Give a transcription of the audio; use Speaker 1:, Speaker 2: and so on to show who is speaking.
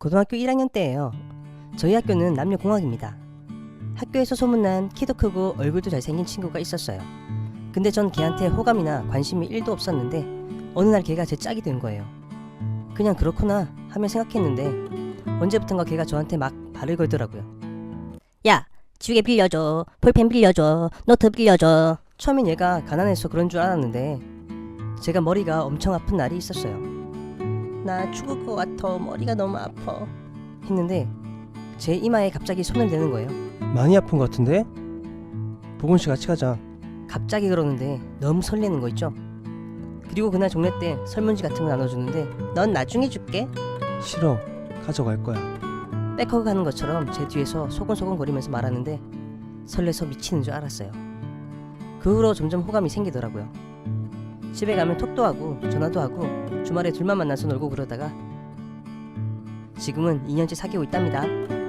Speaker 1: 고등학교 1학년 때예요. 저희 학교는 남녀공학입니다. 학교에서 소문난 키도 크고 얼굴도 잘생긴 친구가 있었어요. 근데 전 걔한테 호감이나 관심이 1도 없었는데 어느 날 걔가 제 짝이 된 거예요. 그냥 그렇구나 하며 생각했는데 언제부턴가 걔가 저한테 막 발을 걸더라고요.
Speaker 2: 야, 지우개 빌려줘. 볼펜 빌려줘. 노트 빌려줘.
Speaker 1: 처음엔 얘가 가난해서 그런 줄 알았는데 제가 머리가 엄청 아픈 날이 있었어요. 나 죽을 것 같아. 머리가 너무 아파. 했는데 제 이마에 갑자기 손을 대는 거예요.
Speaker 3: 많이 아픈 것 같은데? 보건 씨 같이 가자.
Speaker 1: 갑자기 그러는데 너무 설레는 거 있죠? 그리고 그날 종례 때 설문지 같은 거 나눠주는데 넌 나중에 줄게.
Speaker 3: 싫어. 가져갈 거야.
Speaker 1: 백허그 하는 것처럼 제 뒤에서 소곤소곤 거리면서 말하는데 설레서 미치는 줄 알았어요. 그 후로 점점 호감이 생기더라고요. 집에 가면 톡도 하고 전화도 하고 주말에 둘만 만나서 놀고 그러다가 지금은 2년째 사귀고 있답니다.